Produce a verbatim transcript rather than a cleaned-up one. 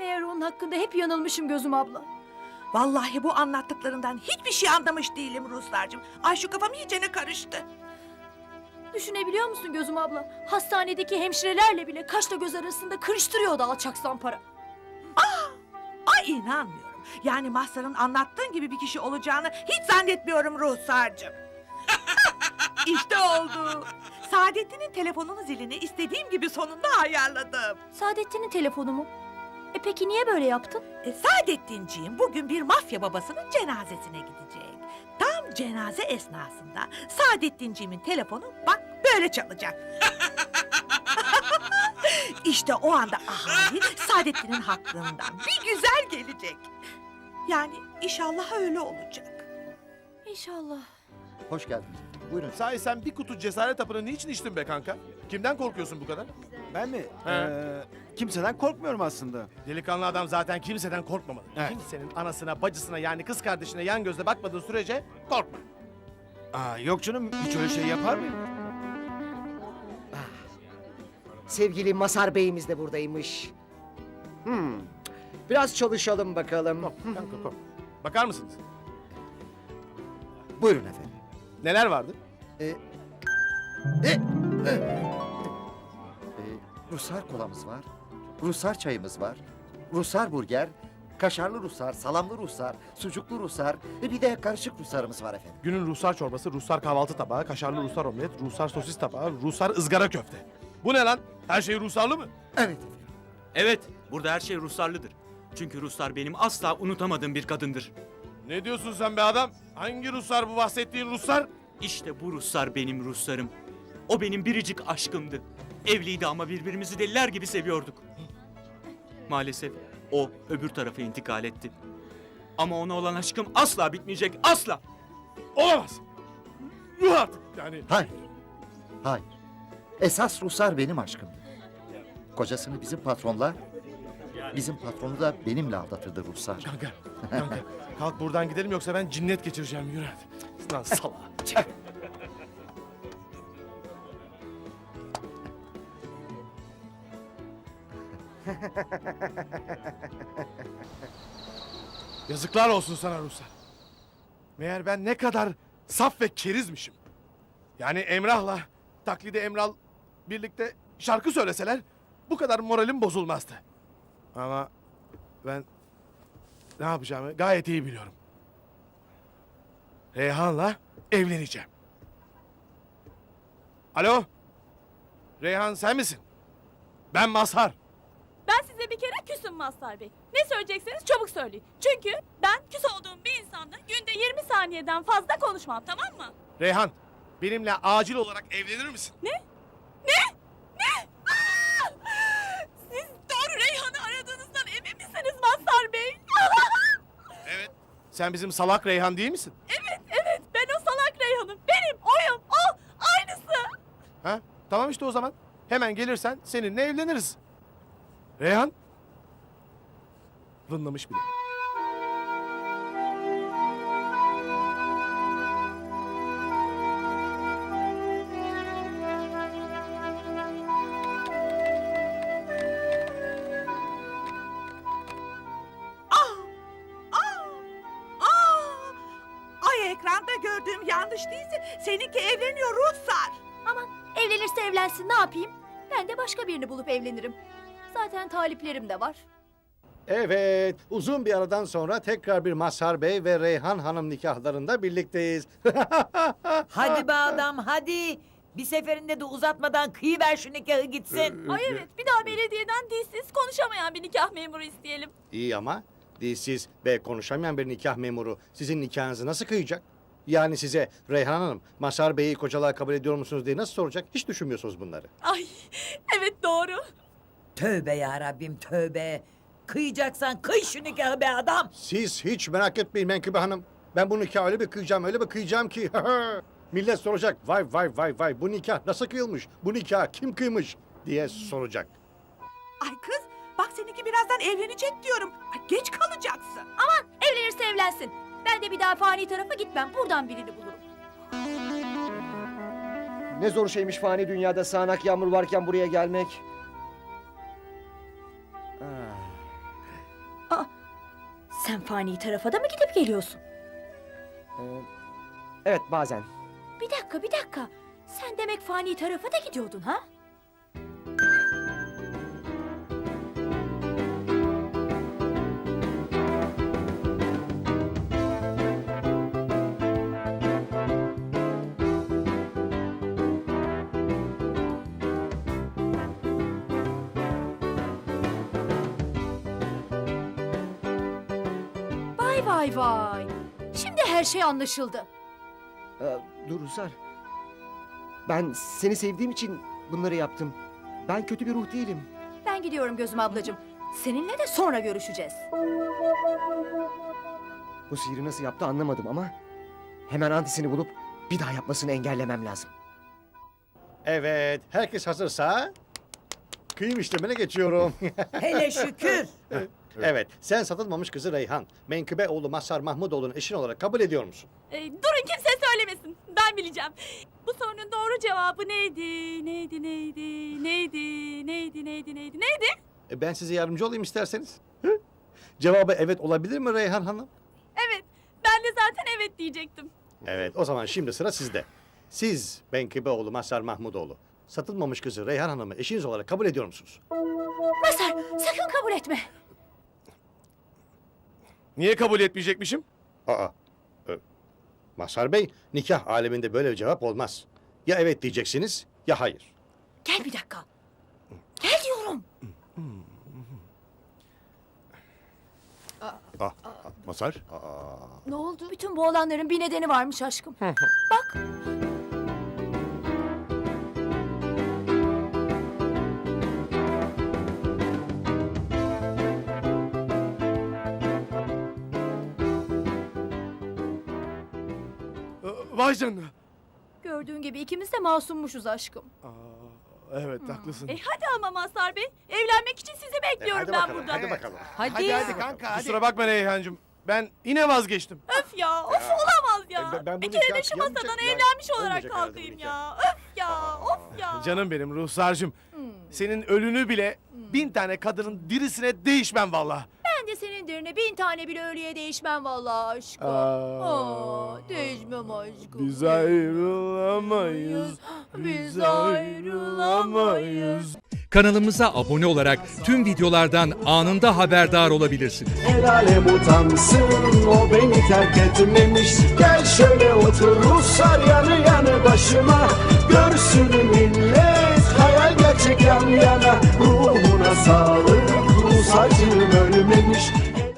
Meğer onun hakkında hep yanılmışım Gözüm abla. Vallahi bu anlattıklarından hiçbir şey anlamış değilim Ruslarcığım. Ay şu kafam iyicene karıştı. Düşünebiliyor musun Gözüm abla? Hastanedeki hemşirelerle bile kaşla göz arasında kırıştırıyordu alçak zampara. Ay inanmıyorum. Yani Mazhar'ın anlattığın gibi bir kişi olacağını hiç zannetmiyorum Ruhsar'cığım. İşte oldu. Saadettin'in telefonunun zilini istediğim gibi sonunda ayarladım. Saadettin'in telefonu mu? E peki niye böyle yaptın? E, Saadettinciğim bugün bir mafya babasının cenazesine gidecek. Tam cenaze esnasında Saadettinciğimin telefonu bak böyle çalacak. İşte o anda ahali Saadettin'in hakkından bir güzel gelecek. Yani inşallah öyle olacak. İnşallah. Hoş geldiniz. Buyurun. Sahi sen bir kutu cesaret hapını niçin içtin be kanka? Kimden korkuyorsun bu kadar? Ben mi? He. Ee, kimseden korkmuyorum aslında. Delikanlı adam zaten kimseden korkmamalı. Evet. Kimsenin anasına, bacısına yani kız kardeşine yan gözle bakmadığı sürece korkma. Aa, yok canım, hiç öyle şey yapar mıyım? Sevgili Mazhar Bey'imiz de buradaymış. Hmm. Biraz çalışalım bakalım. Kanka kork. Bakar mısınız? Buyurun efendim. Neler vardı? Ee, e, e, e, Ruslar kolamız var. Ruslar çayımız var. Ruslar burger. Kaşarlı Ruslar, salamlı Ruslar, sucuklu Ruslar. E bir de karışık Ruslarımız var efendim. Günün Ruslar çorbası, Ruslar kahvaltı tabağı, kaşarlı Ruslar omlet, Ruslar sosis tabağı, Ruslar ızgara köfte. Bu ne lan? Her şey Ruslarlı mı? Evet efendim. Evet, burada her şey Ruslarlıdır. Çünkü Ruslar benim asla unutamadığım bir kadındır. Ne diyorsun sen be adam? Hangi Ruslar bu bahsettiğin Ruslar? İşte bu Ruslar benim Ruslarım. O benim biricik aşkımdı. Evliydi ama birbirimizi deliler gibi seviyorduk. Maalesef o öbür tarafa intikal etti. Ama ona olan aşkım asla bitmeyecek, asla! Olamaz. Yuh artık yani. Hayır. Hayır. Esas Ruslar benim aşkım. Kocasını bizim patronla, bizim patronu da benimle aldatırdı Ruslar. Kanka, kanka. Kalk buradan gidelim yoksa ben cinnet geçireceğim. Yürü hadi. Lan salak. Yazıklar olsun sana Ruslar. Meğer ben ne kadar saf ve kerizmişim. Yani Emrah'la taklidi Emral birlikte şarkı söyleseler bu kadar moralim bozulmazdı. Ama ben ne yapacağımı gayet iyi biliyorum. Reyhan'la evleneceğim. Alo? Reyhan sen misin? Ben Mazhar. Ben size bir kere küsüm Mazhar Bey. Ne söyleyecekseniz çabuk söyleyin. Çünkü ben küs olduğum bir insanla günde yirmi saniyeden fazla konuşmam, tamam mı? Reyhan, benimle acil olarak evlenir misin? Ne? Ne? Ne? Aa! Siz doğru Reyhan'ı aradığınızdan emin misiniz Mazhar Bey? Evet. Sen bizim salak Reyhan değil misin? Evet, evet. Ben o salak Reyhan'ım. Benim, oyum, o. Aynısı. Ha? Tamam işte o zaman. Hemen gelirsen seninle evleniriz. Reyhan? Vınlamış bile. Ah! Ah! Ah! Ay ekranda gördüğüm yanlış değilse seninki evleniyor Ruhsar. Aman evlenirse evlensin ne yapayım? Ben de başka birini bulup evlenirim. Zaten taliplerim de var. Evet, uzun bir aradan sonra tekrar bir Mazhar Bey ve Reyhan Hanım nikahlarında birlikteyiz. Hadi be adam hadi. Bir seferinde de uzatmadan kıyıver şu nikahı gitsin. Ay evet, bir daha belediyeden dilsiz konuşamayan bir nikah memuru isteyelim. İyi ama dilsiz ve konuşamayan bir nikah memuru sizin nikahınızı nasıl kıyacak? Yani size Reyhan Hanım, Mazhar Bey'i kocalığa kabul ediyor musunuz diye nasıl soracak? Hiç düşünmüyorsunuz bunları. Ay, evet doğru. Tövbe ya Rabbim tövbe. Kıyacaksan kıy şu nikahı be adam. Siz hiç merak etmeyin Menkıbe Hanım. Ben bu nikahı öyle bir kıyacağım, öyle bir kıyacağım ki... Millet soracak, vay vay vay vay bu nikah nasıl kıyılmış, bu nikah kim kıymış diye soracak. Ay kız bak seninki birazdan evlenecek diyorum. Ay, geç kalacaksın. Aman evlenirse evlensin. Ben de bir daha fani tarafa gitmem. Buradan birini bulurum. Ne zor şeymiş fani dünyada sağanak yağmur varken buraya gelmek. Ah. Sen fani tarafa da mı gidip geliyorsun? Ee, evet bazen. Bir dakika, bir dakika. Sen demek fani tarafa da gidiyordun ha? Vay vay vay. Şimdi her şey anlaşıldı. Ee, dur Rusar. Ben seni sevdiğim için bunları yaptım. Ben kötü bir ruh değilim. Ben gidiyorum Gözüm ablacığım. Seninle de sonra görüşeceğiz. Bu sihiri nasıl yaptı anlamadım ama... hemen antisini bulup bir daha yapmasını engellemem lazım. Evet, herkes hazırsa kıyım işlemine geçiyorum. Hele şükür. Evet, sen satılmamış kızı Reyhan, Menkıbe oğlu Mazhar Mahmudoğlu'nun eşin olarak kabul ediyor musun? Ee, durun kimse söylemesin. Ben bileceğim. Bu sorunun doğru cevabı neydi? Neydi, neydi, neydi, neydi, neydi, neydi, neydi? E, ben size yardımcı olayım isterseniz. Hı? Cevabı evet olabilir mi Reyhan Hanım? Evet, ben de zaten evet diyecektim. Evet, o zaman şimdi sıra sizde. Siz Menkıbe oğlu Mazhar Mahmudoğlu, satılmamış kızı Reyhan Hanım'ı eşiniz olarak kabul ediyor musunuz? Mazhar sakın kabul etme. Niye kabul etmeyecekmişim? Aa, e, Mazhar Bey, nikah aleminde böyle bir cevap olmaz. Ya evet diyeceksiniz, ya hayır. Gel bir dakika. Gel diyorum. Ah, Mazhar? Ne oldu? Bütün bu olanların bir nedeni varmış aşkım. Bak. Ee, Vay canına. Gördüğün gibi ikimiz de masummuşuz aşkım. Aa, evet haklısın. E hadi ama Mazhar Bey, evlenmek için sizi bekliyorum hadi ben bakalım, burada. hadi bakalım. Hadi. Kusura bakma Reyhancığım. Ben yine vazgeçtim. Öf ya, of olamaz ya. E, ben- ben bu bir kere de nikah şu kıyamayacak masadan ya. evlenmiş olarak Olmayacak herhalde bu kalkayım nikah. ya. Öf ya, of ya. Canım benim Ruhsar'cığım. Senin ölünü bile bin tane kadının dirisine değişmem vallahi. Ben de senin derine bin tane bile ölüye değişmem vallahi aşkım. Aa, Aa, değişmem aşkım. Biz ayrılamayız. Biz ayrılamayız. Kanalımıza abone olarak tüm videolardan anında haberdar olabilirsiniz. El alem utansın, o beni terk etmemiş. Gel şöyle otur Ruslar yanı yanı başıma. Görsün millet, hayal gerçek yan yana. Ruhuna sağlık, Rus acım ölmemiş.